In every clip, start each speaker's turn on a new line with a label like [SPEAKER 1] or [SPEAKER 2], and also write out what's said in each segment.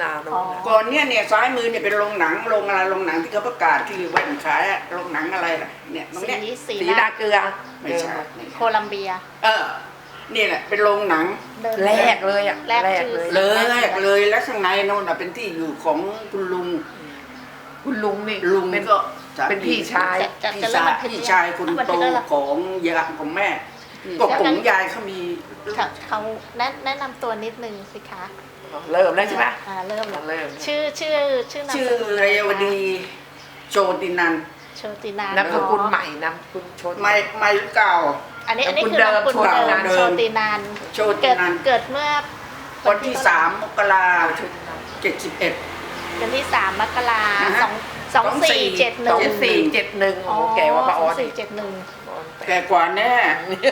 [SPEAKER 1] นาโน่นนะ
[SPEAKER 2] ก่อนเนี่ยซ้ายมือเนี่ยเป็นโรงหนังโรงอะไรโรงหนังที่เขาประกาศที่แว่นขายอะโรงหนังอะไรล่ะเนี่ยตรงเนี้ย
[SPEAKER 1] สีนาเกลือ
[SPEAKER 2] ไม่ใช่
[SPEAKER 3] โคลัมเบีย
[SPEAKER 2] นี่แหละเป็นโรงหนัง
[SPEAKER 1] แรกเลยอ่ะ
[SPEAKER 3] แรกชื่อ
[SPEAKER 2] เลยแล้วข้างในโน่นน่ะเป็นที่อยู่ของคุณลุง
[SPEAKER 1] คุณลุงนี่
[SPEAKER 2] ลุงก็
[SPEAKER 1] เป็นพี่ชาย
[SPEAKER 2] พี่ชายคนโตของยายของแม่ก็ของยายเขามี
[SPEAKER 3] เขาแนะนำตัวนิดนึงสิคะ
[SPEAKER 1] เริ่มแล้วใช่ไหม
[SPEAKER 3] เริ่ม
[SPEAKER 1] เริ่ม
[SPEAKER 3] ชื่อนาม
[SPEAKER 2] ชื่อ
[SPEAKER 3] สกุล
[SPEAKER 2] เรวดีโจตินัน
[SPEAKER 3] โชตินาน
[SPEAKER 1] นามสกุลใหม่นามสกุลชน
[SPEAKER 2] ไม่เก่า
[SPEAKER 3] อันนี้คือนามสกุลเดิมโชตินาน
[SPEAKER 2] โชตินัน
[SPEAKER 3] เกิดเมื่อ
[SPEAKER 2] วันที่3 มกราคม 71
[SPEAKER 3] วันที่3 มกรา
[SPEAKER 2] นะฮะ
[SPEAKER 3] สองสี่เจ็ดหนึ่ง
[SPEAKER 1] 2471โอ้โหแกว่าป้าออส
[SPEAKER 3] 2471
[SPEAKER 2] แก่กว่าแน่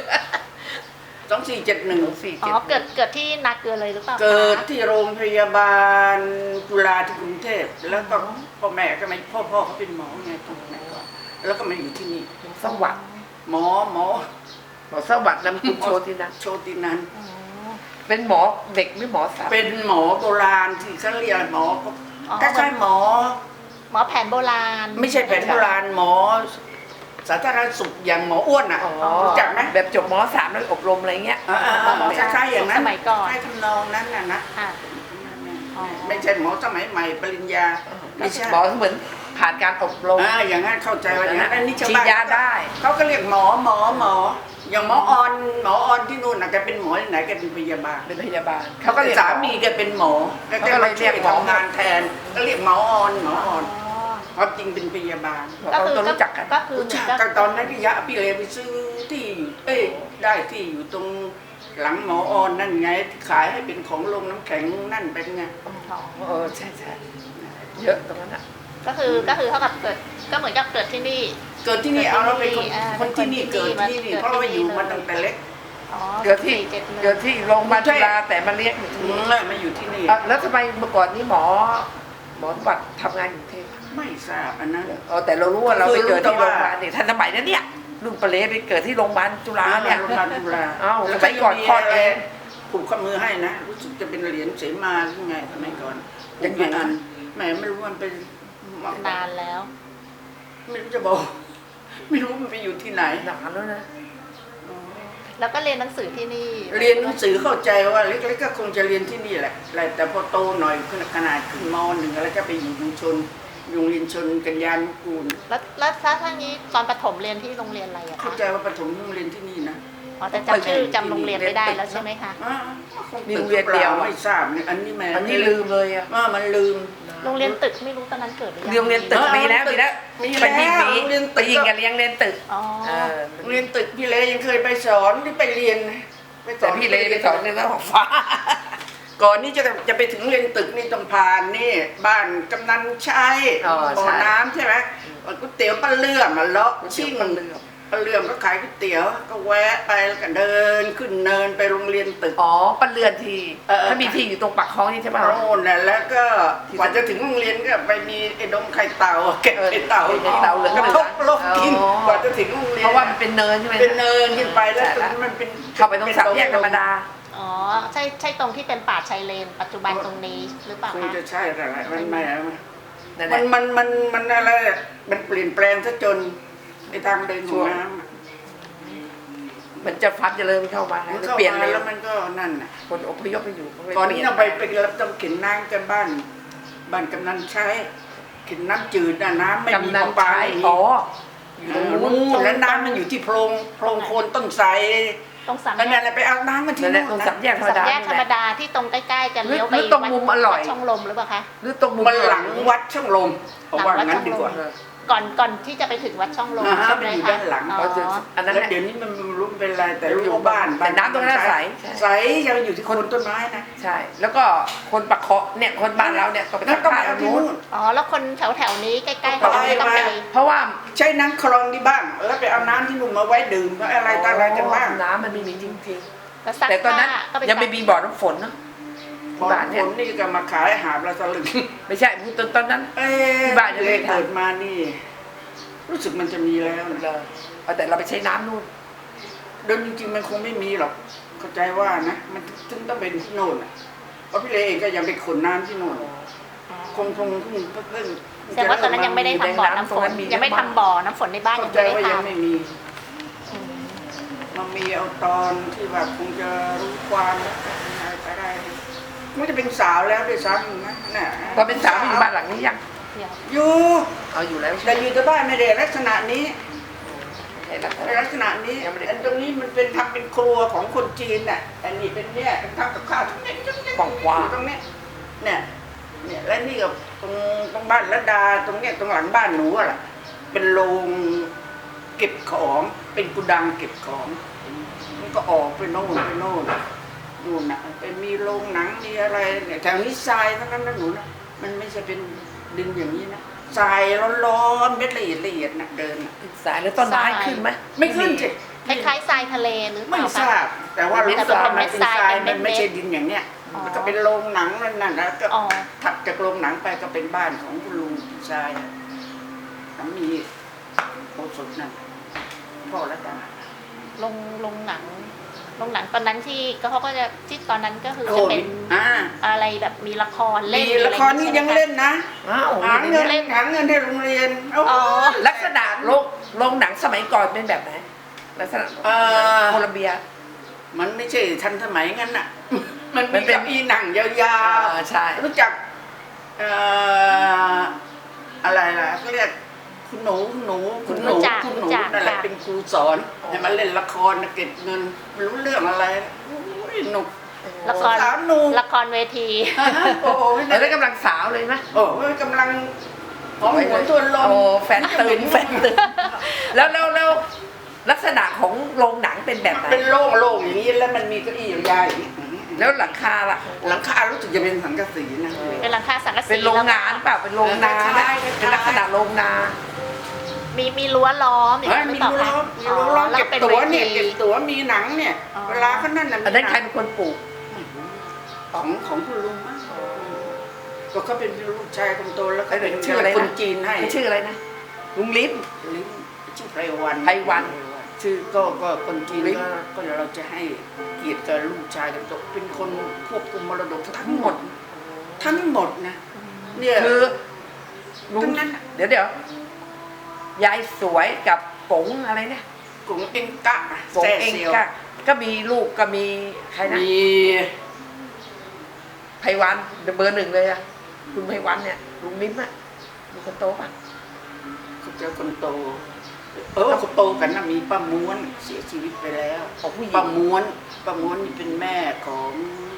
[SPEAKER 2] 2471
[SPEAKER 3] อ๋อเกิดที่นาเกลือเลยหรือเปล่าคะ
[SPEAKER 2] เกิดที่โรงพยาบาลจุฬาที่กรุงเทพแล้วก็พ่อแม่ก็ไม่พ่อเขาเป็นหมอไงตรงนั้นก่อนแล้วก็มาอยู่ที่นี่
[SPEAKER 1] สวัสดิ์
[SPEAKER 2] หมอ
[SPEAKER 1] หมอสวัสดิ์นามสกุลโชตินะ
[SPEAKER 2] โชตินัน
[SPEAKER 3] อ๋อ
[SPEAKER 1] เป็นหมอเด็กหรือหมอสาว
[SPEAKER 2] เป็นหมอโบราณที่เขาเรียกหมอก็ใช่หมอ
[SPEAKER 3] หมอแผนโบราณ
[SPEAKER 2] ไม่ใช่แผนโบราณหมอ สาธารณสุขอย่างหมออ้วนอ่ะ
[SPEAKER 1] อ๋อ
[SPEAKER 2] รู้จักไหม
[SPEAKER 1] แบบจบม .3 แล้วอบรมอะไรเงี้ย
[SPEAKER 2] คล้ายๆอย่างนั้น
[SPEAKER 3] สมัยก่อน
[SPEAKER 2] คล้ายทำนองนั้นน่ะนะ
[SPEAKER 3] ค่ะ อ๋อ
[SPEAKER 2] ไม่ใช่หมอสมัยใหม่ปริญญาไม่ใช่
[SPEAKER 1] หมอเหมือนผ่านการอบรม
[SPEAKER 2] อย่างนั้นเข้าใจว่าอย่างนั้นอันนี้ชาว
[SPEAKER 1] ฉีด
[SPEAKER 2] บ้าน
[SPEAKER 1] ยาได้
[SPEAKER 2] เขาก็เรียกหมออย่างหมอออนที่นู่นน่ะแกเป็นหมอที่ไหนแกเป็นพยาบาล
[SPEAKER 1] เป็นพยาบาล
[SPEAKER 2] เขาก็สามีแกเป็นหมอแล้วแกมาช่วยทำงานแทนก็เรียกหมอออนความจริงเป็นพยาบาล
[SPEAKER 1] เราต้องรู้จักกัน
[SPEAKER 3] ก็คือ
[SPEAKER 2] รู้จักกันตอนนั้นพี่ยะพี่เลไปซื้อที่อยู่ได้ที่อยู่ตรงหลังหมอออนนั่นไงที่ขายให้เป็นของโรงน้ำแข็งนั่นเป็นไง
[SPEAKER 1] ใช่เยอะตรงนั้นอ่ะ
[SPEAKER 3] ก็คือเท่ากับเกิดก็เหมือนกับเกิดที่นี่
[SPEAKER 2] เกิดที่นี่เอาเราเป็น
[SPEAKER 3] อ่า
[SPEAKER 2] คนที่นี่เกิดที่นี่เพราะเราอยู่มาตั้งแต่เล็ก
[SPEAKER 3] อ๋อ
[SPEAKER 1] เกิดที่
[SPEAKER 3] 2471
[SPEAKER 1] เกิดที่โรงพยาบาลจุฬาแต่มาเรียกอยู่ที่นี่
[SPEAKER 2] มาอยู่ที่นี่
[SPEAKER 1] แล้วทำไมเมื่อก่อนนี้หมอสวัสดิ์ทำงานอยู่กรุงเทพ
[SPEAKER 2] ไม่ทราบอันนั้น
[SPEAKER 1] แต่เรารู้ว่าเราไปเกิดที่โรงพยาบาลเนี่ยทันสมัยนั้นเนี่ยลุงปะเลไปเกิดที่โรงพยาบาลจุฬาเนี่ย
[SPEAKER 2] โรงพยาบาลจุฬา
[SPEAKER 1] เอ้าสมัยก่อนคลอดเอง
[SPEAKER 2] ผูกข้อมือให้นะรู้สึกจะเป็นเหรียญเสมาหรือไงสมัยก่อน
[SPEAKER 1] ยังไง
[SPEAKER 2] อันแหมไม่รู้มันเป็น
[SPEAKER 3] นานแล้ว
[SPEAKER 2] ไม่รู้จะบอก ไม่รู้มันไปอยู่ที่ไหน
[SPEAKER 1] นานแล้วนะ
[SPEAKER 3] แล้วก็เรียนหนังสือที่นี่
[SPEAKER 2] เรียนหนังสือเข้าใจว่าเล็กๆก็คงจะเรียนที่นี่แหละแต่พอโตหน่อยขึ้นขนาดขึ้นม .1 แล้วก็ไปอยู่โรงเรียนชนกัญญานุกูล
[SPEAKER 3] แล้วถ้างี้ตอนประถมเรียนที่โรงเรียนอะไรอะ
[SPEAKER 2] เข้า
[SPEAKER 3] คะ
[SPEAKER 2] ใจว่าประถมโรงเรียนที่นี่นะ
[SPEAKER 3] อ๋อแต่จำชื่อจำโรงเรียนไม่ได้แล้วใช่ไหมคะ
[SPEAKER 2] คงตึกหรือเปล่าไม่ทราบเนี่ยอันนี้แม่
[SPEAKER 1] อันนี้ลืมเลยอ่ะ
[SPEAKER 2] มันลืม
[SPEAKER 3] โรงเรียนตึกไม่รู้ตอนนั้นเกิดหรือยัง
[SPEAKER 1] โรงเรียนตึกมีแล้วไปยิงไปยิงกันเลี้ยงเรียนตึก
[SPEAKER 3] อ๋อ
[SPEAKER 2] โรงเรียนตึกพี่เลยังเคยไปสอนที่ไปเรียนไปส
[SPEAKER 1] แต่
[SPEAKER 2] อน
[SPEAKER 1] พี่เลยไปสอนในเรื่องของฟ้า
[SPEAKER 2] ก่อนนี่จะไปถึงเรียนตึกนี่ต้องผ่านนี่บ้านกำนันชัยบ่อน้ำใช่ไหมก๋วยเตี๋ยวป้าเลื่อมมาเลาะชิ่งป้าเลื่อมก็ขายก๋วยเตี๋ยวก็แวะไปแล้วก็เดินขึ้นเนินไปโรงเรียนตึก
[SPEAKER 1] อ๋อปันเรือนทีถ้ามีที่อยู่ตรงปากคลองนี่ใช่ไหม
[SPEAKER 2] โน่นน่ะแล้วก็กว่าจะถึงโรงเรียนก็ไปมีไอ้ดงไข่เต่าเก็บไข่เต่า
[SPEAKER 1] เตาเหลือง
[SPEAKER 2] กระทบโลกกินกว่าจะถึงโรงเรียน
[SPEAKER 1] เพราะว่ามันเป็นเนินใช่ไหม
[SPEAKER 2] เป็นเนินขึ้นไปแล้วตรงนั้นมันเป็น
[SPEAKER 1] เข้าไปตรงสามแยกธรรมดา
[SPEAKER 3] อ๋อใช่ตรงที่เป็นป่าชายเลน ปัจจุบันตรงนี้หรือเปล่า
[SPEAKER 2] คง
[SPEAKER 3] คะ
[SPEAKER 2] จะใช่แต่ละมันไม่
[SPEAKER 1] นั่นแห
[SPEAKER 2] มั
[SPEAKER 1] ละ
[SPEAKER 2] นอะไรมันเปลี่ยนแปลงซะจนในทางเดินของน้ำ
[SPEAKER 1] มันจะฟัดจะเริ่มเข้ามา
[SPEAKER 2] มันเข้า
[SPEAKER 1] เปลี่ยน
[SPEAKER 2] มา
[SPEAKER 1] เลย
[SPEAKER 2] แล้วมันก็นั่นน่ะ
[SPEAKER 1] คนอพยพไปอยู่
[SPEAKER 2] ก่อนนี้เราไปรับต้องเข็นน้ำกันบ้านกำนันใช้เข็นน้ำจืดน่ะน้ำไม่มี
[SPEAKER 1] กำนัน
[SPEAKER 2] ปลา
[SPEAKER 1] ใช้
[SPEAKER 2] ไม่มี
[SPEAKER 1] อ๋อ
[SPEAKER 2] อยู่ตรงนู้นแล้วน้ำมันอยู่ที่โพรงโคนต้นไทร
[SPEAKER 3] ตรงสาม
[SPEAKER 2] นั่น
[SPEAKER 3] แยก
[SPEAKER 2] แหละไปเอาน้ำมันที่
[SPEAKER 1] นั่นแหละ
[SPEAKER 2] นู่
[SPEAKER 1] ตรง
[SPEAKER 2] น
[SPEAKER 1] สาม
[SPEAKER 2] นะ
[SPEAKER 1] แยกธรรม
[SPEAKER 3] สาม
[SPEAKER 1] ดา
[SPEAKER 3] แยกธรรมดาที่ตรงใกล้ๆกันเลี้ยวไป
[SPEAKER 1] หรือตรงมุมอร่อย
[SPEAKER 3] วัดช่องลมหรือเปล่าคะ
[SPEAKER 1] หรือตรงมุม
[SPEAKER 2] มันหลังวัดช่องลมเพราะว่างั้นดีกว่า
[SPEAKER 3] ก่อนที่จะไปถึงวัดช่องลม
[SPEAKER 2] อ่าฮะ
[SPEAKER 3] ใช่ไหม
[SPEAKER 2] มันอยู่
[SPEAKER 3] คะ
[SPEAKER 2] ด้านหลัง
[SPEAKER 3] อ๋อ
[SPEAKER 1] อันนั้น
[SPEAKER 2] แล้ว
[SPEAKER 1] แหละ
[SPEAKER 2] เดี๋ยวนี้มันรู้เป็นไรแต่รู้ว่าบ้าน
[SPEAKER 1] แต่น้ำตรงนั้นใส
[SPEAKER 2] ใสยังอยู่ที่โคนต้นไม้นะ
[SPEAKER 1] ใช่ แล้วก็คนปากเคาะเนี่ยคนบ้านเราเนี่ยก็ไป
[SPEAKER 2] นั่น
[SPEAKER 1] ทำ
[SPEAKER 2] ต้อง
[SPEAKER 1] ท่า
[SPEAKER 2] ไป
[SPEAKER 1] ตร
[SPEAKER 2] เอา
[SPEAKER 1] ง
[SPEAKER 2] ที่
[SPEAKER 1] นู้น
[SPEAKER 2] นู่น
[SPEAKER 3] อ๋อแล้วคนแถวๆนี้ใกล้ๆ
[SPEAKER 2] ไป
[SPEAKER 3] เขาไม่ต้องไป
[SPEAKER 1] เพราะว่า
[SPEAKER 2] ใช้น้ำคลองที่บ้างแล้วไปเอาน้ำที่นู่นมาไว้ดื่มอะไรต่ออะไรกันบ้าง
[SPEAKER 1] น้ำมันไม่มีจริง
[SPEAKER 3] แล้วซัก
[SPEAKER 1] ๆ แต่ตอนนั้น
[SPEAKER 3] ผ้าก็ไป
[SPEAKER 1] ยังไม่มีบ่อน้ำฝนเนาะ
[SPEAKER 2] บอ
[SPEAKER 1] บ้าน
[SPEAKER 2] ล
[SPEAKER 1] เนี่ย
[SPEAKER 2] ผมนี่ก็มาขายหาบละสลึง
[SPEAKER 1] ไม่ใช่ตอนนั้น ที่บ้านยังไม่
[SPEAKER 2] เลย
[SPEAKER 1] ทำ
[SPEAKER 2] เกิดมานี่ รู้สึกมันจะมีแล้วนะ
[SPEAKER 1] แต่เราไปใช้น้ำนู่น
[SPEAKER 2] เดิมจริงๆมันคงไม่มีหรอกเข้าใจว่านะมันถึงต้องเป็นที่โน่นน่ะเพราะพี่เลเองก็ยังไปขนน้ำที่โน่นคงเพิ่ง
[SPEAKER 3] แต่ว่าตอนนั้นยังไม่ได้ทำบ่อน้ำฝนยังไม่ทำบ่อน้ำฝนในบ้าน
[SPEAKER 2] เข้า
[SPEAKER 3] ยัง
[SPEAKER 2] ใจ
[SPEAKER 3] ไม่ได้
[SPEAKER 2] ว่ายัง
[SPEAKER 3] ทำ
[SPEAKER 2] ไม่มีมันมีเอาตอนที่แบบคงจะรู้ความอะไรไปได้มันจะเป็นสาวแล้วด้วยซ้ำนะน่ะ
[SPEAKER 1] ตอนเป็นสาวไม่อยู่บ้านหลังนี้ยัง
[SPEAKER 2] อยู่
[SPEAKER 1] เอาอยู่แล้ว
[SPEAKER 2] แต่อยู่แต่บ้านไม่ได้ลักษณะนี้
[SPEAKER 1] ใช่แล้ว
[SPEAKER 2] ลักษณะนี้อันตรงนี้มันเป็นทำเป็นครัวของคนจีนน่ะอันนี้เป็นเนี่ยเป็นทำกับข้าวตรงนี้
[SPEAKER 1] กว้าง
[SPEAKER 2] ตรงนี้เนี่ยและนี่กับตรงบ้านระดาตรงเนี้ยตรงหลังบ้านหนูอะล่ะเป็นโรงเก็บของเป็นกุดังเก็บของมันก็ออกไปโน่นนู่นน่ะไปมีโรงหนังมีอะไรเนี่ยแถวนี้ทรายทั้งนั้นนะหนูนะมันไม่ใช่เป็นดินอย่างนี้นะทรายร้อนๆเม็ดละเอียดนะเดินน่ะ
[SPEAKER 1] สายแล้วต้นไม้ขึ้นไหม
[SPEAKER 2] ไม่ขึ้นสิ
[SPEAKER 3] คล้ายๆทรายทะเลหรือเป
[SPEAKER 2] ไม่
[SPEAKER 3] ล่า
[SPEAKER 2] ท
[SPEAKER 3] คะ
[SPEAKER 2] ราบแต่ว่ารู้สึกว่ามันเป็นทราย
[SPEAKER 3] เป็
[SPEAKER 2] มัน น
[SPEAKER 3] เม็ดๆ
[SPEAKER 2] ไม่ใช่ดินอย่างเนี้ย
[SPEAKER 3] อ๋อ
[SPEAKER 2] มันก็เป็นโรงหนังนั่นน่ะแล้วก็
[SPEAKER 3] อ๋อ
[SPEAKER 2] ถัดจากโรงหนังไปก็เป็นบ้านของคุณลุงชายสามีโคสดนั่นพ่อระดา
[SPEAKER 3] ลงหนังตอนนั้นที่ก็เขาก็จะที่ตอนนั้นก็คือ
[SPEAKER 2] โอ้
[SPEAKER 3] จะ
[SPEAKER 2] ย
[SPEAKER 3] เป็น
[SPEAKER 2] อ่า
[SPEAKER 3] อะไรแบบมีละครเล่น
[SPEAKER 2] มีละครนี่ยังเล่นนะ
[SPEAKER 1] อ้าว
[SPEAKER 2] หาเงินหาเงินให้โรงเรียนโอ้
[SPEAKER 3] อ๋อ
[SPEAKER 1] ลักษณะโรงหนังสมัยก่อนเป็นแบบไหนลักษณะโคลัมเบีย
[SPEAKER 2] มันไม่ใช่ทันสมัยงั้นน่ะ มัน
[SPEAKER 1] มั
[SPEAKER 2] มี
[SPEAKER 1] นเป็น
[SPEAKER 2] เก้าอี้หนังยาว
[SPEAKER 1] ใช่
[SPEAKER 2] ๆรู้จักอะไรล่ะเขาเรียกคุณหนู
[SPEAKER 3] รู้จัก
[SPEAKER 2] นั่นแหละ
[SPEAKER 3] ค่ะ
[SPEAKER 2] เป็นครูสอนให้มาเล่นละครเก็บเงินไม่รู้เรื่องอะไรโอ้ยหนุก
[SPEAKER 3] ละคร
[SPEAKER 2] สาวหนุ่ม
[SPEAKER 3] ละครเวที
[SPEAKER 2] โอ้โห
[SPEAKER 1] แล้วกำลังสาวเลยไหม
[SPEAKER 2] โอ้ยกำลังหอมหัวตัวลม
[SPEAKER 1] โอ้แฟนตื่นแล้วลักษณะของโรงหนังเป็นแบบไหน
[SPEAKER 2] เป็นโล่งๆอย่างนี้แล้วมันมีเก้าอี้ยาวๆอย่างนี้
[SPEAKER 1] แล้วหลังคาล่ะ
[SPEAKER 2] หลังคารู้สึกจะเป็นสังกะสีนะ
[SPEAKER 3] เป็นหลังคาสังกะสี
[SPEAKER 1] เป็นโรงงานเปล่าเป็นโรงนา
[SPEAKER 2] คล้ายๆ
[SPEAKER 1] เป็นลักษณะโรงนา
[SPEAKER 3] มีรั้วล้อมอย่าง
[SPEAKER 2] เฮ้ย
[SPEAKER 3] นั้นหรื
[SPEAKER 2] มี
[SPEAKER 3] อเปล่า
[SPEAKER 2] รั้ว
[SPEAKER 3] คะ
[SPEAKER 2] มีรั้วล้อม
[SPEAKER 3] แล้
[SPEAKER 2] เก็บ
[SPEAKER 3] เป็น
[SPEAKER 2] ตั๋ว
[SPEAKER 3] วที
[SPEAKER 2] เนี่ยเก็บตั๋วมีหนังเนี่ย
[SPEAKER 3] อ๋อ
[SPEAKER 2] เวลาเขานั่นน่ะ
[SPEAKER 1] อันนั้นใครเป็นคนปลูก
[SPEAKER 2] ของคุณลุงมั้งก็เขาเป็นลูกชายคนโตแล้วก็เป็น
[SPEAKER 1] ชื่ออะไรนะ
[SPEAKER 2] คนจีนให้
[SPEAKER 1] ชื่ออะไรนะลุงลิ้น
[SPEAKER 2] ลิ้นชื่อไพรวัน
[SPEAKER 1] ไพรวัน
[SPEAKER 2] ชื่อก็คนจีน
[SPEAKER 1] ลิ้น
[SPEAKER 2] ก็เราจะให้เกียรติกับลูกชายคนโตเป็นคนควบคุมมรดกทั้งหมดนะเนี่ย
[SPEAKER 1] คือลุง
[SPEAKER 2] ทั้งนั้นน่ะ
[SPEAKER 1] เดี๋ยวยายสวยกับกงอะไรเนี่ย
[SPEAKER 2] กงเอ็งกะ
[SPEAKER 1] กง
[SPEAKER 2] แซ่
[SPEAKER 1] เอง
[SPEAKER 2] เซียว
[SPEAKER 1] ก็มีลูกก็มีใครนะ
[SPEAKER 2] มี
[SPEAKER 1] ไพวันเบอร์หนึ่งเลยอะคุณไพวันเนี่ยลุงลิ้มอะลุงคนโตป่ะ
[SPEAKER 2] เขาเจอคนโตคนโตกันนะมีป้าม้วนเสียชีวิตไปแล้ว
[SPEAKER 1] ของผู้หญิง
[SPEAKER 2] ป้าม้วนนี่เป็นแม่ของ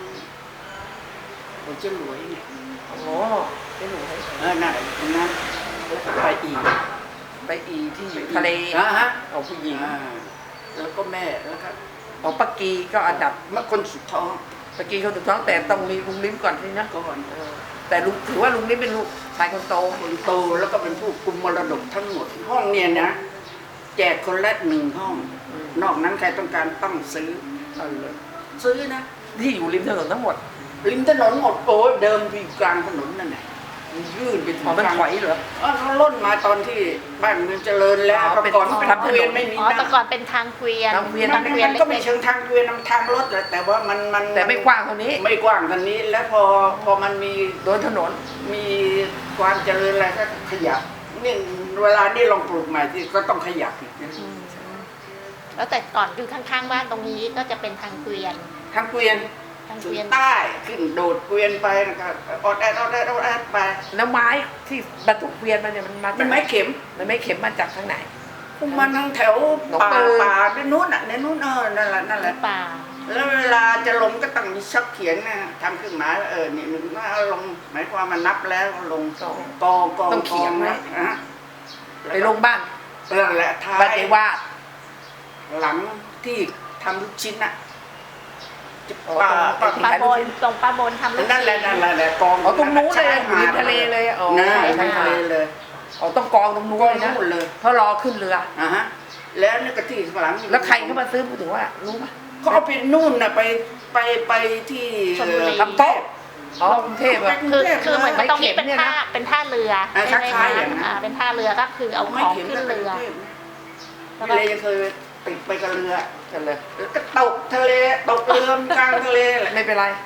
[SPEAKER 2] เจ้าหลวยเนี่ย
[SPEAKER 1] โอ้ไม่รู้ให้
[SPEAKER 2] นั่นตรงนั้นแล้วก็ไปอีก
[SPEAKER 1] ไปอีที่ทะเล
[SPEAKER 2] ฮะ
[SPEAKER 1] ของผู้หญิง
[SPEAKER 2] แล้วก็แม่แล้วก็
[SPEAKER 1] ของปักกีก็อันดับ
[SPEAKER 2] เมื่อคนสุดท้อง
[SPEAKER 1] ปักกีเขาถูกต้องแต่ต้องมีลุงลิ้มก่อนที่นะ
[SPEAKER 2] ก่อน
[SPEAKER 1] แต่ลุงถือว่าลุงลิ้มเป็นลูกชายคนโต
[SPEAKER 2] คนโตแล้วก็เป็นผู้กุมมรดกทั้งหมด ห้องเนี่ยนะแจกคนละ1 ห้อง นอกนั้นใครต้องการต้องซื้อ
[SPEAKER 1] เอาเลย
[SPEAKER 2] ซื้อนะ
[SPEAKER 1] ที่อยู่ริมถนนทั้งหมด
[SPEAKER 2] ริมถนนหมดโอ้ยเดิมอยู่กลางถนนนั่นแหละมันยื่นไปถึ
[SPEAKER 1] อ๋อง มันถอยเหรอ
[SPEAKER 2] เขาล่นมาตอนที่บ้านเมืองเจริญแล้ว
[SPEAKER 1] อ๋อ
[SPEAKER 2] แต่ก่อนเป็น
[SPEAKER 1] ทำถนน
[SPEAKER 2] เกวียนไม่มี
[SPEAKER 3] อ๋อแต่
[SPEAKER 2] น้ำ
[SPEAKER 3] ก่อนเป็นทางเกวียน
[SPEAKER 1] ทางเกวียน
[SPEAKER 2] มัน
[SPEAKER 3] เกวียน
[SPEAKER 2] ก็ไม่
[SPEAKER 3] เล็ก
[SPEAKER 2] เชิงทางเกวียนมันทางรถแหละแต่ว่ามัน
[SPEAKER 1] แต่ไม่กว้างเท่านี้
[SPEAKER 2] ไม่กว้างเท่านี้แล้วพอมันมี
[SPEAKER 1] โดนถนน
[SPEAKER 2] มีความเจริญอะไรก็ขยับนี่เวลานี่ลองปลูกใหม่ที่ก็ต้องขยับอีกนะ
[SPEAKER 3] ๆแล้วแต่ก่อนอยู่ข้างๆบ้านตรงนี้ก็จะเป็นทางเกวียน
[SPEAKER 2] ทางเกวียน
[SPEAKER 3] ทาง
[SPEAKER 2] ถึ
[SPEAKER 3] เก
[SPEAKER 2] ง
[SPEAKER 3] วียน
[SPEAKER 2] ใต้ขึ้นโดดเกวียนไปนะครับออดแอดไป
[SPEAKER 1] แล้วไม้ที่บรรทุกเกวียนมาเนี่ยมันมา
[SPEAKER 2] มันไม้เข็ม
[SPEAKER 1] มันไม่เข็มมาจากทางไหน
[SPEAKER 2] มันทางแถว
[SPEAKER 1] หนอง
[SPEAKER 2] ป่า
[SPEAKER 1] ปือ
[SPEAKER 2] ในนู้นอ่ะในนู้นนั่นแหละ
[SPEAKER 3] ป่า
[SPEAKER 2] แล้วเวลาจะลงก็ต้องมีชักเขียนนะทำเครื่องหมายว่านี่มันว่าลงหมายความมันนับแล้วลงกอง
[SPEAKER 1] ต้องเขียนไว้
[SPEAKER 2] นะ
[SPEAKER 1] ไปลงบ้าน
[SPEAKER 2] นั่นแหละท้า
[SPEAKER 1] บ้าน
[SPEAKER 2] ย
[SPEAKER 1] เจวาด
[SPEAKER 2] หลังที่ทำลูกชิ้นน่ะ
[SPEAKER 1] อ๋อ
[SPEAKER 2] ป่า
[SPEAKER 1] ตรง
[SPEAKER 3] ปลาบนตรงปลาบนทำลูก
[SPEAKER 2] นั่นแหละ
[SPEAKER 3] ชิ้
[SPEAKER 2] กอง
[SPEAKER 1] อ๋อตรงนู้นเลยอยู่ริมทะเลเลยอ๋อ
[SPEAKER 2] นะ
[SPEAKER 1] ใช่
[SPEAKER 2] ริมทะเลเลย
[SPEAKER 1] อ๋อต้องกองตรงนู้น
[SPEAKER 2] กอง
[SPEAKER 1] เลยนะ
[SPEAKER 2] นู่นเลย
[SPEAKER 1] เพราะรอขึ้นเรือ
[SPEAKER 2] ฮะแล้วนี่ก็ที่หลัง
[SPEAKER 1] แล้วใครเข้ามาซื้อพูดถึงว่ารู้ไหม
[SPEAKER 2] เขาเอาไปนู่นน่ะไปที่
[SPEAKER 1] ลำโต๊ะอ๋อกรุงเทพอะ
[SPEAKER 3] คือเหมือนตรงนี้
[SPEAKER 1] ไม่เข็ม
[SPEAKER 3] เป็น
[SPEAKER 1] เนี่ย
[SPEAKER 3] ท่า
[SPEAKER 1] นะ
[SPEAKER 3] เป็นท่าเรือ
[SPEAKER 2] คล้
[SPEAKER 3] ใช่ไหม
[SPEAKER 2] ายๆ
[SPEAKER 3] คะ
[SPEAKER 2] อย่างนั้น
[SPEAKER 3] เป็นท่าเรือก็คือเอาของขึ้นเรือ
[SPEAKER 2] ไม่เลยยังเคยติดไปกับเรือ
[SPEAKER 1] กันเลย
[SPEAKER 2] แล้วก็ตกทะเลตกเรือกลางทะเลแหละ
[SPEAKER 1] ไม่เป็นไร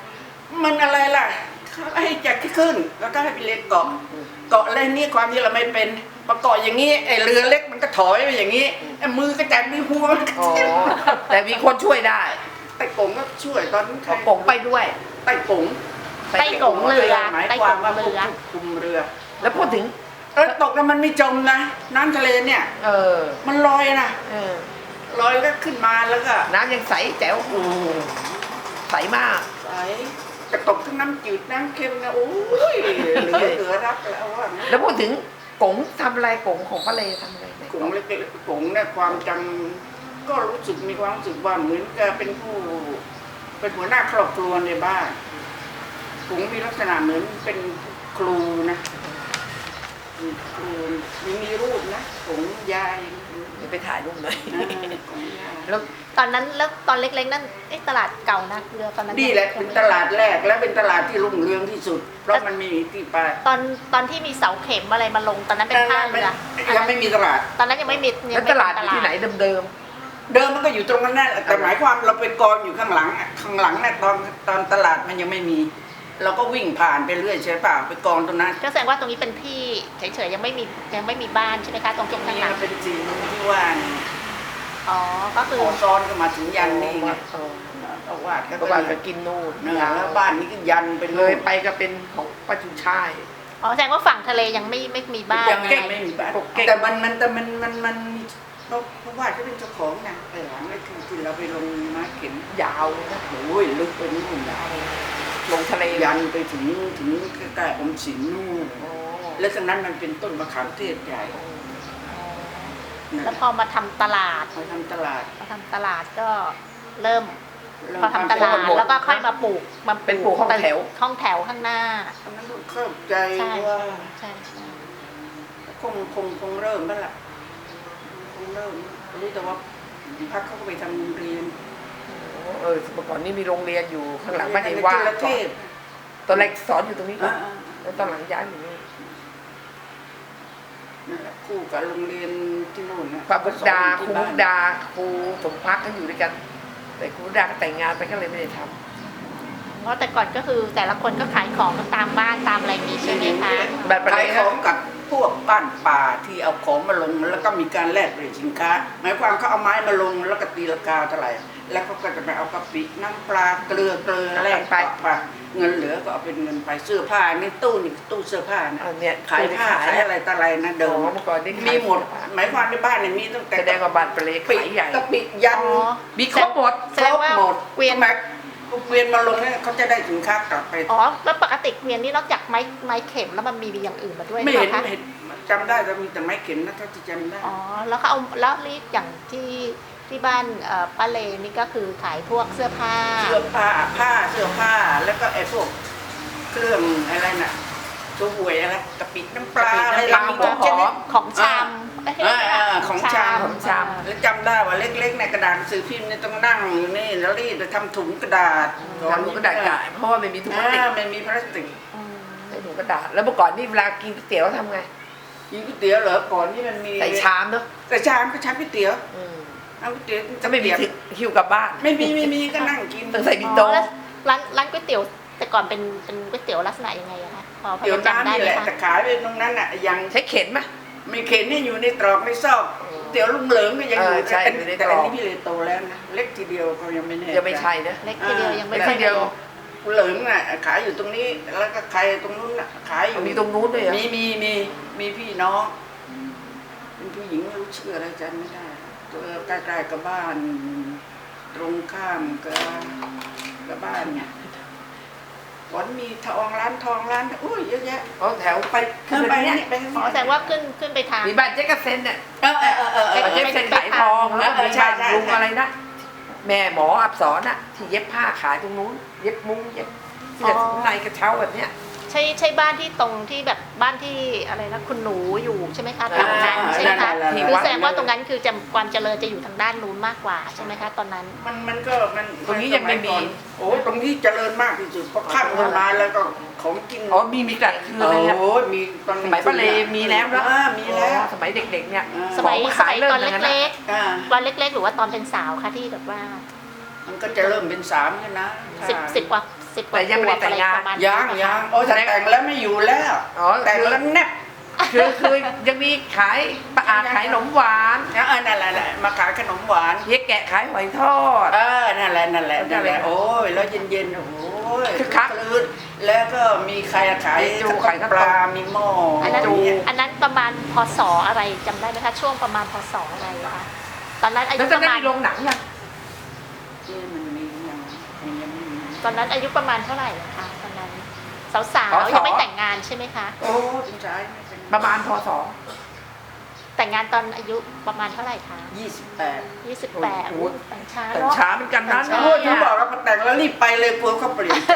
[SPEAKER 2] มันอะไรล่ะเขาให้จัดขึ้นแล้วก็ให้ไปเรียนเกาะอะไรนี่ความที่เราไม่เป็นประกอบอย่างนี้ไอ้เรือเล็กมันก็ถอยไปอย่างนี้ไอ้มือก็จับมือหัวมันก็
[SPEAKER 1] อ๋อแต่มีคนช่วยได้
[SPEAKER 2] ไต่กงก็ช่วยตอนนั้นใคร
[SPEAKER 1] เอากงไปด้วย
[SPEAKER 2] ไต่กง
[SPEAKER 3] ไต้กงเรือ
[SPEAKER 2] หมาย
[SPEAKER 3] ไต้
[SPEAKER 2] ควาก ม
[SPEAKER 3] ง
[SPEAKER 2] ว่า
[SPEAKER 3] เรือ
[SPEAKER 2] คุมเรือ
[SPEAKER 1] แล้วพูดถึง
[SPEAKER 2] แล้วตกแล้วมันไม่จมนะน้ำทะเลเนี่ย
[SPEAKER 1] เออ
[SPEAKER 2] มันลอยนะ
[SPEAKER 1] เออ
[SPEAKER 2] ลอยก็ขึ้นมาแล้วก็
[SPEAKER 1] น้ำยังใสแจ๋ว
[SPEAKER 2] โอ้
[SPEAKER 1] ใสมาก
[SPEAKER 2] ใสกระตกทั้งน้ำจืดน้ำเค็มนะโอ้ยเหลือรักแล้วว่างั้น
[SPEAKER 1] แล้วพูดถึงกงทำอะไรกงของป้าเลทำอะไรไหน
[SPEAKER 2] กงเล็กๆกงเนี่ยความจำก็รู้สึกมีความรู้สึกว่าเหมือนกับเป็นเป็นหัวหน้าครอบครัวในบ้านกงมีลักษณะเหมือนเป็นครูนะครูมีรูปนะกงยาย
[SPEAKER 1] เดี๋ยวไปถ่ายรูปหน่อย
[SPEAKER 2] กงยาย
[SPEAKER 1] แล้ว
[SPEAKER 3] ตอนนั้นแล้วตอนเล็กๆนั่นตลาดเก่านะเรือตอนนั้น
[SPEAKER 2] นี่แหละเป็นตลาดแรกและเป็นตลาดที่รุ่งเรืองที่สุด เพราะมันมีที่ไป
[SPEAKER 3] ตอนที่มีเสาเข็มอะไรมาลงตอนนั้นเป็นท่าเรือ
[SPEAKER 2] ยังไม่มีตลาด
[SPEAKER 3] ตอนนั้นยังไม่มี
[SPEAKER 1] แล้วตลาดอยู่ที่ไหนเดิม
[SPEAKER 2] เดิมมันก็อยู่ตรงนั้นแหละแต่หมายความเราเป็นกองอยู่ข้างหลังอะข้างหลังเนี่ยตอนตลาดมันยังไม่มี เราก็วิ่งผ่านไปเรื่อยใช่ป่ะไปกองตรงนั้น
[SPEAKER 3] ก็แสดงว่าตรงนี้เป็นที่เฉยๆยังไม่มีบ้านใช่ไหมคะตรงจุดข้าง
[SPEAKER 2] นี่
[SPEAKER 3] หลัง
[SPEAKER 2] มันเป็นจีนที่ว่า
[SPEAKER 3] อ๋อก็คือ
[SPEAKER 2] ขอซ้อนก็มาถึง
[SPEAKER 1] ๆ
[SPEAKER 2] ยันนี่ไง
[SPEAKER 1] เออ
[SPEAKER 2] เอาวาดก็
[SPEAKER 1] ก็ว่าไปกินนู่น
[SPEAKER 2] เนื้อแล้วบ้านนี้ก็ยันเป็น
[SPEAKER 1] เลยไปก็เป็นของป้าจุช่าย
[SPEAKER 3] อ๋อแสดงว่าฝั่งทะเลยังไม่มีบ้าน
[SPEAKER 2] ยังไม่มีบ้านแต่มันเพราะว่าเขาเป็นเจ้าของนะแต่หลังนี่คือเราไปลงม้าเข็น
[SPEAKER 1] ยาวเลยนะ
[SPEAKER 2] โอ้ยลึกไปนู่นยาว
[SPEAKER 1] ลงทะเล
[SPEAKER 2] ยันไปถึงใกล้ๆอมสินนู่น
[SPEAKER 1] โอ้
[SPEAKER 2] แล้วตรงนั้นมันเป็นต้นมะขามเทศใหญ่นะ
[SPEAKER 3] แล้วพอมาทำตลาด
[SPEAKER 2] เขาทำตลาด
[SPEAKER 3] ก็เริ่มพอทำตลาดแล้วก็ค่อยมาปลูก
[SPEAKER 1] เป็นปลูกห้องแถว
[SPEAKER 3] ห้องแถวข้างหน้า
[SPEAKER 2] ตอนนั้นก็เข้าใจ
[SPEAKER 3] ใช่
[SPEAKER 2] ว่า
[SPEAKER 3] ใช่ใช่
[SPEAKER 2] คงเริ่มแล้วล่ะคงเริ่มรู้แต่ว่าพักเขาก็ไปทำโรงเรียน
[SPEAKER 1] เออเมื่อก่อนนี่มีโรงเรียนอยู่ข้างหลังบ้านเอว่า
[SPEAKER 2] จุฬเทพ
[SPEAKER 1] ตอนแรกสอนอยู่ตรงนี้ก่อน
[SPEAKER 2] อ่า
[SPEAKER 1] แล้วตอนหลังย้ายอยู่นี่
[SPEAKER 2] นั่นแหละคู่กับโรงเรียนที่โน่นนะ
[SPEAKER 1] พระบุตรดาครูมุกดาครูสมพักก็อยู่ด้วยกัน แต่ครูมุกดาก็แต่งงานไปก็เลยไม่ได้ทำ
[SPEAKER 3] เพราะแต่ก่อนก็คือแต่ละคนก็ขายของตามบ้านตามอะไรมีใช่ไหมคะ
[SPEAKER 1] แบบอะไร
[SPEAKER 2] ขายของกับพวกบ้านป่าที่เอาของมาลงแล้วก็มีการแลกเปลี่ยนสินค้า หมายความเขาเอาไม้มาลงแล้วก็ตีราคาเท่าไหร่แล้วเขาก็จะไปเอากะปิน้ำปลาเกลือแลกไปเงินเหลือก็เอาเป็นเงินไปเสื้อผ้านี่ตู้เสื้อผ้านะ
[SPEAKER 1] เอาเนี่ย
[SPEAKER 2] ขายผ้าขายอะไรต่ออะไรนะเดิม
[SPEAKER 1] เมื่อก่อนนี่ขาย
[SPEAKER 2] มีหมดหมายความในบ้านเนี่ยมีตั้งแต่
[SPEAKER 1] แสดงว่าบ้านปลาเล็ก
[SPEAKER 2] ปิ
[SPEAKER 1] ขายใหญ่
[SPEAKER 2] กะปิยัน
[SPEAKER 3] อ๋อ
[SPEAKER 1] มีครบหมด
[SPEAKER 3] แสดงว่า
[SPEAKER 2] หมด
[SPEAKER 3] เกวียน
[SPEAKER 2] เวียนมาลงเนี่ยเขาจะได้สินค้ากลับไป
[SPEAKER 3] อ๋อแล้วปกติเกวียนนี่นอกจากไม้เข็มแล้วมันมีอย่างอื่นมาด้วย
[SPEAKER 2] ไม่เห็น
[SPEAKER 3] หรอคะ
[SPEAKER 2] ไม่เห็นจำได้แต่มีแต่ไม้เข็มนะถ้าที่จำได้
[SPEAKER 3] อ๋อแล้วเขาเอาแล้วรีดอย่างที่บ้านป้าเลนี่ก็คือขายพวกเสื้อผ้า
[SPEAKER 2] เสื้อผ้าเสื้อผ้าแล้วก็ไอ้พวกเครื่องอะไรน่ะตัวหวยอะไรกะปิน้ำปลาอะไร
[SPEAKER 1] กะปิ
[SPEAKER 2] มี
[SPEAKER 1] น้ำปลา
[SPEAKER 2] ทุกชนิด
[SPEAKER 3] ของชำเอ้ย
[SPEAKER 2] ของชาม
[SPEAKER 1] ของชาม
[SPEAKER 2] แล้วจำได้ว่าเล็กๆในกระดาษหนังสือพิมพ์เนี่ยต้องนั่งอยู่นี่แล้วรีดไปทำถุงกระดาษ
[SPEAKER 1] ทำถุงกระดาษขายเพราะว่าไม่มีถุงพลาสติก
[SPEAKER 2] ไม่มีพลาสติก
[SPEAKER 3] อืม
[SPEAKER 1] ใส่ถุงกระดาษแล้วเมื่อก่อนนี่เวลากินก๋วยเตี๋ยวทำไง
[SPEAKER 2] กินก๋วยเตี๋ยวเหรอก่อนที่มันมี
[SPEAKER 1] ใส่ชามเนาะ
[SPEAKER 2] แต่ชามก็ชามก๋วยเตี๋ยว
[SPEAKER 1] อืม
[SPEAKER 2] เอาก๋วยเตี๋ยว
[SPEAKER 1] จะไม่มีหิ้วกลับบ้าน
[SPEAKER 2] ไม่มีก็นั่งกิน
[SPEAKER 1] ต้องใส่บิ
[SPEAKER 3] อ๋
[SPEAKER 1] โต้
[SPEAKER 3] อแล้วร้านก๋วยเตี๋ยวแต่ก่อนเป็นก๋วยเตี๋ยวลักษณะยังไงอะคะพอ
[SPEAKER 2] เตี๋ยว
[SPEAKER 3] จำ
[SPEAKER 2] น้ำ
[SPEAKER 3] ได้
[SPEAKER 2] นี่
[SPEAKER 3] ไห
[SPEAKER 2] แห
[SPEAKER 3] ม
[SPEAKER 2] ละ
[SPEAKER 3] คะ
[SPEAKER 2] แต่ขายไปตรงนั้นน่ะยัง
[SPEAKER 1] ใช้เข็นไหม
[SPEAKER 2] ไม่เข็นนี่อยู่ในตรอกในซอกเตี๋ยวลุงเหลิงก็ยังอยู่
[SPEAKER 1] ใช่
[SPEAKER 2] แต่
[SPEAKER 1] อยู่ใน
[SPEAKER 2] แต่
[SPEAKER 1] ตร
[SPEAKER 2] อั
[SPEAKER 1] อน ก
[SPEAKER 2] นี้พี่เลยโตแล้วนะเล็กทีเดียวก็ยังไม่แน่
[SPEAKER 1] ยังไม่ใช่นะ
[SPEAKER 3] เล็กทีเดียวยังไม่
[SPEAKER 1] เล็ก
[SPEAKER 3] ค่อ
[SPEAKER 1] ทีเดียว
[SPEAKER 2] ลุงเหลิงน่ะขายอยู่ตรงนี้แล้วก็ใครตรงนู้นน่ะขายอยู่
[SPEAKER 1] มีตรงนู้นด้วยเหรอ
[SPEAKER 2] มีพี่น้องเป็นผู้หญิงไม่รู้ชื่ออะไรจำไม่ได้ตัวใกล้ๆกับบ้าน ตรงข้ามกับบ้านเนี่ยก่อนมีทองร้านอุ้ยเยอะแยะ
[SPEAKER 1] เอาแถวไป
[SPEAKER 2] ไป
[SPEAKER 1] เนี่ย
[SPEAKER 2] นี่ไปนี่
[SPEAKER 3] อ๋อแสดงว่าขึ้นไปทาง
[SPEAKER 1] มีบ้านเจ๊กบเซนเนี่ย
[SPEAKER 2] เออ
[SPEAKER 1] เจ๊กบเซนขายทองแล้วมี
[SPEAKER 2] ใช่
[SPEAKER 1] บ้าน
[SPEAKER 2] ใช่
[SPEAKER 1] ลุงอะไรนะแม่หมออับสรน่ะที่เย็บผ้าขายตรงนู้นเย็บมุ้งเย็บที่แบบในกระเช้าแบบเนี้ย
[SPEAKER 3] ใช่บ้านที่ตรงที่แบบบ้านที่อะไรนะคุณหนูอยู่ใช่ไหมคะตรงนั้นใช่ไหมคะคือแสดงว่าตรงนั้นคือความเจริญจะอยู่ทางด้านนู้นมากกว่าใช่ไหมคะตอนนั้น
[SPEAKER 2] มันก็มัน
[SPEAKER 1] ตรงนี้ยังไม่มี
[SPEAKER 2] โอ้ตรงนี้เจริญมากที่สุดเพราะข้ามกันมาแล้วก็ของกิน
[SPEAKER 1] อ๋อมีกลางคืนเลยอะ
[SPEAKER 2] โอ้มีตอน
[SPEAKER 1] สมัยป้าเลมีแล้วนะ
[SPEAKER 2] มีแล้ว
[SPEAKER 1] สมัยเด็กๆเนี่ย
[SPEAKER 3] สมัย
[SPEAKER 1] ของขายเริ่ม
[SPEAKER 3] ตอน
[SPEAKER 1] อย่างนั้น
[SPEAKER 3] เล็
[SPEAKER 1] นะ
[SPEAKER 3] กๆตอนเล็กๆหรือว่าตอนเป็นสาวคะที่แบบว่า
[SPEAKER 2] มันก็จะเริ่มเป็น3กันนะ
[SPEAKER 3] สิบกว่า
[SPEAKER 1] แต่ยังไม่ได้แต่งงาน
[SPEAKER 3] ประมาณ
[SPEAKER 2] ยังโอ้แต่แต่งแล้วไม่อยู่แล้ว
[SPEAKER 1] อ๋อ
[SPEAKER 2] แต่งแล้วแนบ
[SPEAKER 1] คือยังมีขายปลาอาขายขนมหวาน
[SPEAKER 2] นั่นแหละมาขายขนมหวาน
[SPEAKER 1] เย็กแกะขายหอยทอด
[SPEAKER 2] นั่นแหละโอ้ยแล้วเย็นๆโอ้ย
[SPEAKER 1] คือคัก
[SPEAKER 2] ลื่นแล้วก็มีใครขาย
[SPEAKER 1] มีจู
[SPEAKER 2] ขายปลามีหม้อ
[SPEAKER 3] อันนั้น
[SPEAKER 1] จู
[SPEAKER 3] อันนั้นประมาณพศอะไรจำได้ไหมคะช่วงประมาณพศอะไรคะตอนนั้นอายุ
[SPEAKER 1] แล้ว
[SPEAKER 3] ป
[SPEAKER 1] จะ
[SPEAKER 3] ระ
[SPEAKER 1] ได้
[SPEAKER 3] มาณ
[SPEAKER 1] มีโรงหนังยัง
[SPEAKER 2] มันมียังไม่มี
[SPEAKER 3] ตอนนั้นอายุประมาณเท่าไหร่คะตอนนั้นสาว
[SPEAKER 1] พศ
[SPEAKER 3] ๆยังไม่แต่งงานใช่ไหมคะ
[SPEAKER 2] โอ้เป็นชายไม่เป็น
[SPEAKER 1] ประมาณพศ
[SPEAKER 3] แต่งงานตอนอายุประมาณเท่าไหร่คะ
[SPEAKER 2] 28
[SPEAKER 3] 28
[SPEAKER 1] โอ้โห
[SPEAKER 3] แต่งช้า
[SPEAKER 1] แต่
[SPEAKER 3] เนาะ
[SPEAKER 1] ช้าเหมือนกันนะ
[SPEAKER 3] ใช่
[SPEAKER 2] โอ้ยถึงบอกแล้วพอแต่งแล้วรีบไปเลยกลัวเขาเปลี่ยนใจ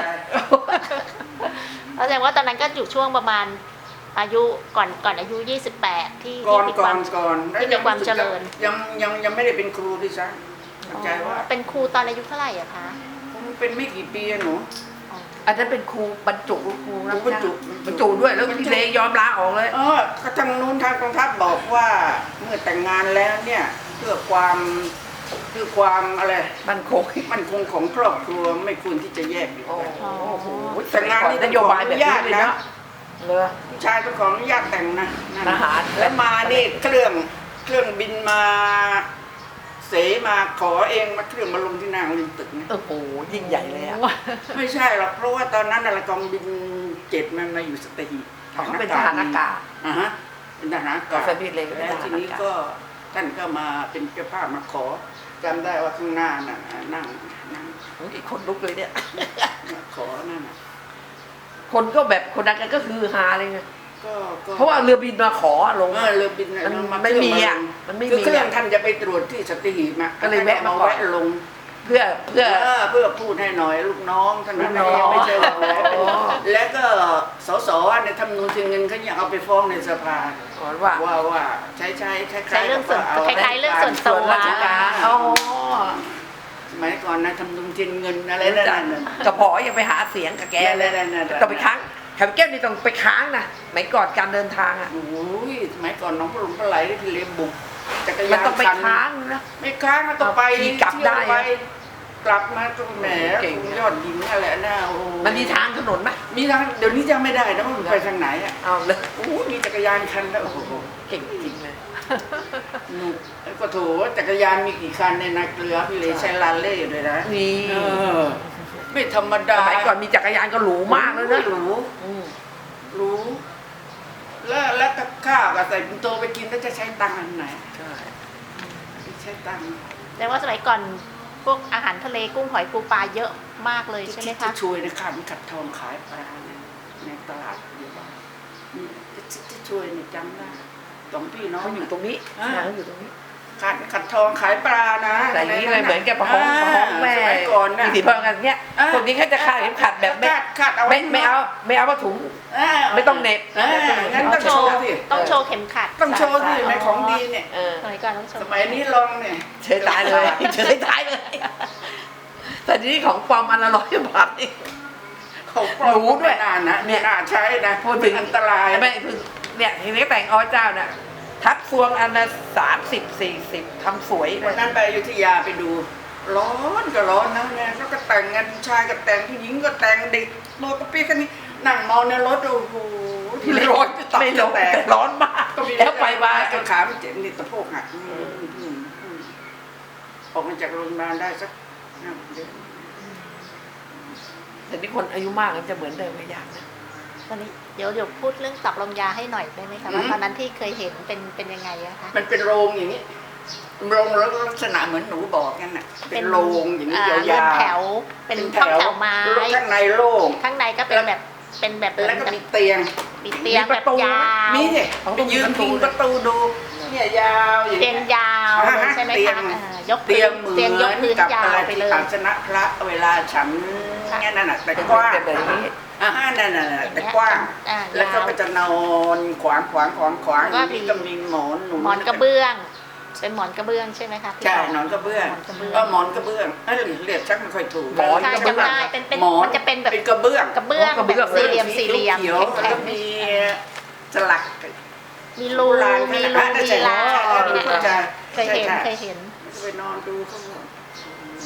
[SPEAKER 3] แสดงว่าตอนนั้นก็อยู่ช่วงประมาณอายุก่อนอายุ 28 ที่
[SPEAKER 2] ก่อน
[SPEAKER 3] มีค
[SPEAKER 2] ก่อ
[SPEAKER 3] วาม
[SPEAKER 2] นก่อน
[SPEAKER 3] ที่มีความเจริญ
[SPEAKER 2] ยังไม่ได้เป็นครูด้วยซ้ำเข้าใจว่า
[SPEAKER 3] เป็นครูตอนอายุเท่าไหร่อะคะ
[SPEAKER 2] ผมเป็นไม่กี่ปีอะหนู
[SPEAKER 1] อันนั้นเป็นครูบรรจุครูนะ
[SPEAKER 2] บรรจุ
[SPEAKER 1] บรรจุด้วยแล้วพี่เลยอมลาออกเลย
[SPEAKER 2] ก็ทางนู้นทางกองทัพบอกว่าเมื่อแต่งงานแล้วเนี่ยเพื่อความอะไร
[SPEAKER 1] มันคง
[SPEAKER 2] มันคงของครอบครัวไม่ควรที่จะแยกอยู่
[SPEAKER 1] โอ้
[SPEAKER 2] กัน
[SPEAKER 1] โห
[SPEAKER 2] แต่งงานนี่
[SPEAKER 1] นโยบายแบบนี้เลยนะเลย
[SPEAKER 2] ผู้ชายต้องขออนุญาตแต่งนะนั่น
[SPEAKER 1] ทหาร
[SPEAKER 2] แล้วมานี่เครื่องบินมาเสมาขอเองมาเครื่องมาลงที่นางลินตึกนะ
[SPEAKER 1] โอ้โหยิ่งใหญ่เลยอ่ะ
[SPEAKER 2] ไม่ใช่หรอกเพราะว่าตอนนั้นน่ะกองบิน7มันมาอยู่สัตหีบ
[SPEAKER 1] เขาเป็นทหารอากาศ
[SPEAKER 2] ฮะเป็นทหารอากาศ
[SPEAKER 1] สมิธเลยก็เป็น
[SPEAKER 2] แล้ว
[SPEAKER 1] ทหาร
[SPEAKER 2] ที
[SPEAKER 1] อากาศ
[SPEAKER 2] นี้ก็ท่านก็มาเป็นเจ้าภาพมาขอจำได้ว่าข้างหน้าน่ะนั่ง
[SPEAKER 1] อีกคนลุกเลยเนี่ย
[SPEAKER 2] ขอนั่นน่ะ
[SPEAKER 1] คนก็แบบคนนั้นก็คือฮาเลยไง
[SPEAKER 2] ก็
[SPEAKER 1] เพราะว่าเรือบินมาขอลง
[SPEAKER 2] เรือบินน่ะ
[SPEAKER 1] มัน
[SPEAKER 2] า
[SPEAKER 1] ไม่มีอ่ะ
[SPEAKER 2] เค
[SPEAKER 1] มันไม่
[SPEAKER 2] คือ
[SPEAKER 1] มี
[SPEAKER 2] เครื่อง
[SPEAKER 1] อ่ะ
[SPEAKER 2] ท่านจะไปตรวจที่สัตหีบ
[SPEAKER 1] ก็เลยแวะมาก่อน
[SPEAKER 2] แวะลง
[SPEAKER 1] เพื่อ
[SPEAKER 2] เพื่อพูดให้หน่อยลูกน้องท่านนั้น
[SPEAKER 1] ลูกน้อง
[SPEAKER 2] ไม่ใช่ว่า
[SPEAKER 1] อ๋อ
[SPEAKER 2] แล้วก็สสในธรรมนูญเงินเขายังเอาไปฟ้องในสภา
[SPEAKER 1] ก่อนว่า
[SPEAKER 2] ว่าใช้คล้าย
[SPEAKER 3] ใช้เรื่องส่วน
[SPEAKER 2] กับ
[SPEAKER 3] คล้ายๆเรื่องส่วนตัว
[SPEAKER 1] ราชการอ๋อ
[SPEAKER 2] สมัยก่อนนะธรรมนูญเงินอะไรนั่นน่ะ
[SPEAKER 1] กระเพาะยังไปหาเสียงกับแกเลย
[SPEAKER 2] นั่น
[SPEAKER 1] ต้องไปค้างแถวแก้วนี่ต้องไปค้างนะสมัยก่อนการเดินทางอ่ะ
[SPEAKER 2] โอ้ยสมัยก่อนน้องพระหลวงพระไหลได้ที่เรียนบุกจักร
[SPEAKER 1] มัน
[SPEAKER 2] ยาน
[SPEAKER 1] ต้องไป
[SPEAKER 2] คัน
[SPEAKER 1] ค้างนะ
[SPEAKER 2] ไม่ค้างมันต้องไป
[SPEAKER 1] ขี่กลับได้
[SPEAKER 2] เที่ยวไปกลับมาก็แหม
[SPEAKER 1] เก่ง
[SPEAKER 2] ยอดหญิงอะไรน่ะโอ้
[SPEAKER 1] มันมีทางถนนไหม
[SPEAKER 2] มีทางเดี๋ยวนี้จำไม่ได้นะว่ามันไปทางไหนอ่ะ
[SPEAKER 1] เอาเลย
[SPEAKER 2] โอ้มีจักรยานคันแล้วโอ้โห
[SPEAKER 1] เก่งจริงเลย
[SPEAKER 2] หนุกแล้วก็โถจักรยานมีกี่คันในนาเกลือพี่เลยใช้ลาเล่ด้วยนะ
[SPEAKER 1] นี่
[SPEAKER 2] ไม่ธรรมดา
[SPEAKER 1] สมัยก่อนมีจักรยานก็หรูมากเลยนะ
[SPEAKER 2] หรู
[SPEAKER 1] อืม
[SPEAKER 2] รู้แล้วกับข้าวกับใส่ปิ่นโตไปกินแล้วจะใช้ตังค์อันไหน
[SPEAKER 1] ใช่
[SPEAKER 2] ใช้ตังค์
[SPEAKER 3] แต่ว่าสมัยก่อนพวกอาหารทะเลกุ้งหอยปูปลาเยอะมากเลยใช่ไหม
[SPEAKER 2] จะ
[SPEAKER 3] คะ
[SPEAKER 2] ช่วยนะค่ะมีขัดทองขายปลาเนี่ยในตลาดอยู่บ้านนี่จะช่วยเนี่ยจำได้สองพี่น้อง
[SPEAKER 1] เขาอยู่ตรงนี้
[SPEAKER 2] อ่า
[SPEAKER 1] เขาอยู่ตรงนี้
[SPEAKER 2] ขัดทองขายปลานะ
[SPEAKER 1] แต่อย่างนี้เลยเหมือนกับประคองแม่
[SPEAKER 2] สมัยก่อนน่ะ
[SPEAKER 1] มีสีพอกันเนี้ยคนนี้เขาจะคาดเข็มขัดแบบไม่
[SPEAKER 2] คาดเอา
[SPEAKER 1] ไม่เอาผ้าถุง ไม่ต้องเหน็บ
[SPEAKER 2] งั้นต้อง
[SPEAKER 3] โช
[SPEAKER 2] โช
[SPEAKER 3] ว์
[SPEAKER 2] ว์สิ
[SPEAKER 3] ต้องโชว์เข็มขัด
[SPEAKER 2] ต้องโชว์สิในของดีเนี่ย
[SPEAKER 1] เออ
[SPEAKER 3] สมัยก่อนต้องโชว์
[SPEAKER 2] สมัยนี้ลองเนี่ย
[SPEAKER 1] เฉยตายเลยเฉยตายเลย แต่ทีนี้ของปลอมอันละ100 บาทนี่
[SPEAKER 2] เขาปลอม
[SPEAKER 1] รู้ด้วย
[SPEAKER 2] ไม่น่านะ
[SPEAKER 1] เนี่ย
[SPEAKER 2] น่าใช้นะ
[SPEAKER 1] พูดถึง
[SPEAKER 2] อันตราย
[SPEAKER 1] ไม่คือเนี่ยทีนี้แต่งเจ้าเนี่ยทับซวงอันละ30-40ทำสวยเล
[SPEAKER 2] วัน
[SPEAKER 1] ย
[SPEAKER 2] นั้นไปอยุธยาไปดู ร้อนก็ร้อนนะเนี่ยแล้วก็แต่งกันผู้ชายก็แต่งผู้หญิงก็แต่งเด็กโลกกระปี้กันนี่นั่งเมาในรถโอ้โห
[SPEAKER 1] ที่ร้อน
[SPEAKER 2] จะตับ
[SPEAKER 1] ไม่
[SPEAKER 2] จะ
[SPEAKER 1] ร้อน
[SPEAKER 2] แตก
[SPEAKER 1] แต่ร้อนมาก
[SPEAKER 2] ก็มี
[SPEAKER 1] แล้วไปมา
[SPEAKER 2] ก็ขาไม่เจ็บนี่สะโพกหักออกมาจากโรงพยาบาลได้สัก5 เดือน
[SPEAKER 1] แต่นี่คนอายุมากมันจะเหมือนเดิมไม่ยากนะ
[SPEAKER 3] ตอนนี้เดี๋ยวพูดเรื่องตับลมยาให้หน่อยได้ไหมคะว่าตอนนั้นที่เคยเห็นเป็นยังไงอะคะ
[SPEAKER 2] มันเป็นโรงอย่างนี้โรงแล้วลักษณะเหมือนหนูบอกกันน่ะเป็นโรงอย่างนี้ยาว
[SPEAKER 3] เรือนแถ
[SPEAKER 2] ๆ
[SPEAKER 3] วเป็นห้องแถวไม้
[SPEAKER 2] ข้างในโล่ง
[SPEAKER 3] ข้างในก็เป็นแบบเหมื
[SPEAKER 2] แล้ว
[SPEAKER 3] อน
[SPEAKER 2] ก็
[SPEAKER 3] กับ
[SPEAKER 2] มีเตียง
[SPEAKER 3] มีเตียงแบบยาว
[SPEAKER 2] มีสิไปยืนพิงประตูดูเนี่ยยาวอย่าง
[SPEAKER 3] เตียง
[SPEAKER 2] เงี้ย
[SPEAKER 3] ยาวเลยใช่ไหม
[SPEAKER 2] เตีย
[SPEAKER 3] คะ
[SPEAKER 2] ง
[SPEAKER 3] ยก
[SPEAKER 2] เตียงเหมื
[SPEAKER 3] เตียงยก
[SPEAKER 2] อน
[SPEAKER 3] พื้น
[SPEAKER 2] กับ
[SPEAKER 3] ยา
[SPEAKER 2] อะไร
[SPEAKER 3] วไป
[SPEAKER 2] ที่
[SPEAKER 3] เลย
[SPEAKER 2] อาสนะพระเวลาฉัน
[SPEAKER 3] ค่ะ
[SPEAKER 2] เนี่ยนั่นน่ะแต่กว้าง
[SPEAKER 1] เป็นแบบนี้
[SPEAKER 2] นั่นน่ะแต่กว้าง แล้วก็
[SPEAKER 3] ยาว
[SPEAKER 2] ไปจะนอนขวางอย่างนี้ก็มีหมอนหนุน
[SPEAKER 3] หมอนกระเบื้อง เป็นหมอนกระเบื้องใช่ไหมคะที่
[SPEAKER 2] ใช่
[SPEAKER 3] บอก
[SPEAKER 2] หมอนกระเบื้อง
[SPEAKER 3] หมอนกระเบื้อง
[SPEAKER 2] หมอนกระเบื้องเรียกชักไม่ค่อยถูก
[SPEAKER 1] หมอน
[SPEAKER 3] ใช่จำได้เป็น
[SPEAKER 2] หมอน
[SPEAKER 3] มันจะเป็นแบบ
[SPEAKER 2] เป็นกระเบื้อง
[SPEAKER 3] กระเบื้อง
[SPEAKER 1] กระเบื้อง
[SPEAKER 3] แบบสี่เหลี่ยม
[SPEAKER 2] เขียวๆแล้ว
[SPEAKER 3] แข็
[SPEAKER 2] ก็
[SPEAKER 3] ง
[SPEAKER 2] มีสลัก
[SPEAKER 3] ๆมีรูมีรูมีลา
[SPEAKER 2] เคยเห็น
[SPEAKER 3] เคยเห็น
[SPEAKER 2] ไปนอนดูเขาหมด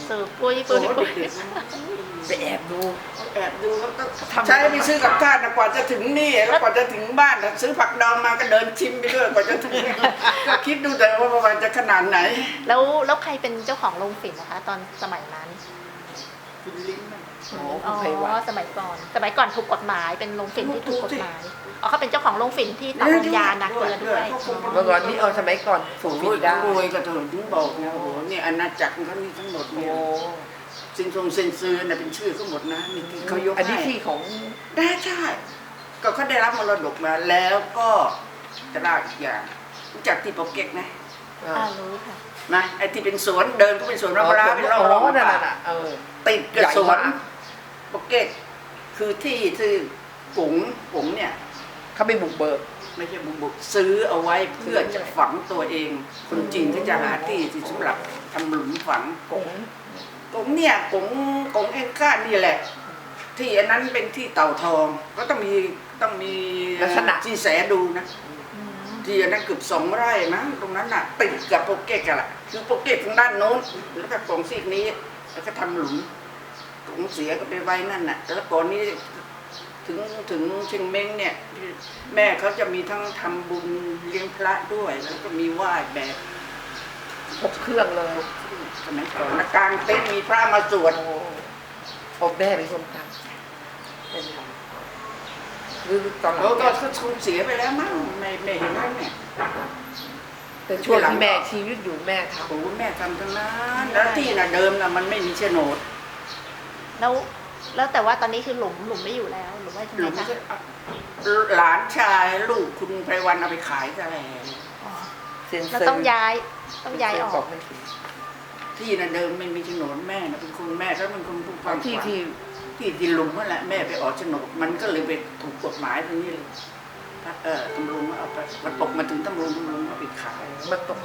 [SPEAKER 3] สืบปุ้ย
[SPEAKER 2] โอ้
[SPEAKER 3] ปุ้ย
[SPEAKER 2] โห
[SPEAKER 3] ปุ้ย
[SPEAKER 2] เด็ก
[SPEAKER 1] ไปแอบดู
[SPEAKER 2] ๆแอบดูแล้วก็
[SPEAKER 1] ทำ
[SPEAKER 2] ใช้ไปซื้อกับข้าวนะกว่าจะถึงนี่แล้วกว่าจะถึงบ้านน่ะซื้อผักดองมาก็เดินชิมไปด้วยกว่าจะถึงก็คิดดูแต่ว่ามันจะขนาดไหน
[SPEAKER 3] แล้วใครเป็นเจ้าของโรงฝิ่นนะคะ ตอนสมัยนั้น
[SPEAKER 2] คุณลิ้นมัน
[SPEAKER 1] อ๋อ
[SPEAKER 3] อ๋
[SPEAKER 1] คุณไพวัน
[SPEAKER 3] อสมัยก่อนถูกกฎหมายเป็นโรงฝิ่นที่ถูกกฎหมายอ๋อเขาเป็นเจ้าของโรงฝิ่นที่ต่อลมยานาเกลือด้วย
[SPEAKER 1] เมื่อก่อนนี้สมัยก่อนสู
[SPEAKER 2] โอ้
[SPEAKER 1] ง
[SPEAKER 2] โห
[SPEAKER 1] ฟินได้
[SPEAKER 2] รวยก็ถึงบอกนะโอ้โหนี่อาณาจักรเขานี่ทั้งหมด
[SPEAKER 1] โอ้
[SPEAKER 2] เนี่ยซินทรงเซนซือน่ะเป็นชื่อเขาหมดนะนี่ที่เขายก
[SPEAKER 1] อันนี้
[SPEAKER 2] ให้
[SPEAKER 1] ที่ของ
[SPEAKER 2] ได้ใช่ก็เขาได้รับมรดกมาแล้วก็จะเล่าอีกอย่างรู้จักที่โปเก็กไหม
[SPEAKER 3] รู้ค่ะ
[SPEAKER 2] นะไอ้ที่เป็นสวนเดินก็เป็นสวนมะพร้าวเป็นร่องๆ
[SPEAKER 1] นั่น
[SPEAKER 2] ป่า
[SPEAKER 1] น่ะ
[SPEAKER 2] ติดกับ
[SPEAKER 1] ใหญ่
[SPEAKER 2] สวน
[SPEAKER 1] มาก
[SPEAKER 2] โปเก็กคือที่กุ๋งเนี่ย
[SPEAKER 1] เขาไปบุกเบิก
[SPEAKER 2] ไม่ใช่บุกซื้อเอาไว้เพื่อจะฝังตัวเอง คนจีนก็จะหาที่สำหรับทำหลุมฝัง
[SPEAKER 1] กง
[SPEAKER 2] กงเนี่ยกงเอ็นก้านี่แหละ ที่อันนั้นเป็นที่เต่าทองก็ต้องมีจีแสดูนะที่อันนั้นเกือบ2 ไร่มั้งตรงนั้นน่ะติดกับโปเกตกันแหละคือโปเกตทางด้านโน้นแล้วก็กงซีกนี้แล้วก็ทำหลุมกงเสียก็ไปไว้นั่นน่ะแล้วก่อนนี้ถึงเชียงเม้งเนี่ยแม่เขาจะมีทั้งทำบุญเลี้ยงพระด้วยแล้วก็มีไหว้แบบ
[SPEAKER 1] ครบเครื่องเลย
[SPEAKER 2] สมัยก่อนนะกลางเต็นท์มีพระมาสวด
[SPEAKER 1] ผมแม่เป็นคนทำเป็นทำหรือตอนหลัง
[SPEAKER 2] แล้วก็สูญเสียไปแล้วมั้งไม่เห็นแล้วเนี่ย
[SPEAKER 1] แต่ช่วงที่แม่ชีวิตอยู่แม่ท
[SPEAKER 2] โอ้แม่ทำทั้งนั้นแล้วที่น่ะเดิมน่ะมันไม่มีโฉนด
[SPEAKER 3] แล้วแต่ว่าตอนนี้คือหลุมไม่อยู่แล้วหรือว่า
[SPEAKER 2] หรือ
[SPEAKER 3] ทำไม
[SPEAKER 2] ไม่
[SPEAKER 3] คะ
[SPEAKER 2] ใช่หลานชายลูกคุณไพวันเอาไปขายซะแล้ว
[SPEAKER 3] อ๋อ
[SPEAKER 1] ำเซ็นเซ
[SPEAKER 3] แล้ว
[SPEAKER 1] อร์
[SPEAKER 3] ต้องย้ายออก
[SPEAKER 1] ไม่ถึง
[SPEAKER 2] ที่น่ะเดิมไม่มีโฉนดแม่น่ะเป็นคนแม่ก็เป็นคนผู้ฟัง
[SPEAKER 1] ที่
[SPEAKER 2] ที่ดินลุงนั่นแหละแม่ไปออกโฉนดมันก็เลยไปถูกกฎหมายตรงนี้เลยตำรวจเอาไปมันตกมาถึงตำรวจเอาไปขาย
[SPEAKER 1] มันตก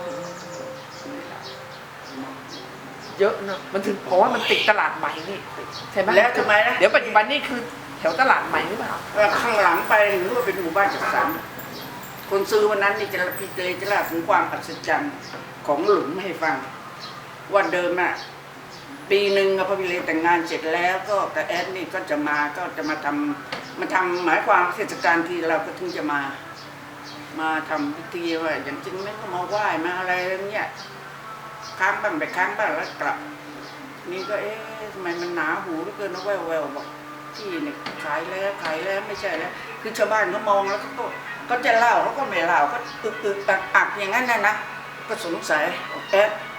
[SPEAKER 1] เยอะเนอะมันถึงเพราะว่ามันติดตลาดใหม่นี่ใช่ไหม
[SPEAKER 2] แล้วทำไมนะ
[SPEAKER 1] เดี๋ยวปัจจุบันนี่คือแถวตลาดใหม่หรือเปล่า
[SPEAKER 2] ข้างหลังไปเห็นว่าเป็นหมู่บ้านจัดสรรคนซื้อวันนั้นนี่จะพี่เตยจะเล่าถึงความอัศจรรย์ของหลุมให้ฟังว่าเดิมอ่ะปีหนึ่งพอพี่เลแต่งงานเสร็จแล้วก็แต่แอดนี่ก็จะมาทำหมายความเทศกาลที่เราก็ถึงจะมาทำพิธีว่าอย่างจริงไม่ก็มาไหว้มาอะไรเงี้ยค้างบ้างไปค้างบ้างแล้วกลับนี่ก็ทำไมมันหนาหูเหลือเกินนะแววบอกที่เนี่ยขายแล้วไม่ใช่แล้วคือชาวบ้านเขามองแล้วก็จะเล่าเขาก็ไม่เล่าก็อึกอักอย่างนั้นนะก็สงสัยแอด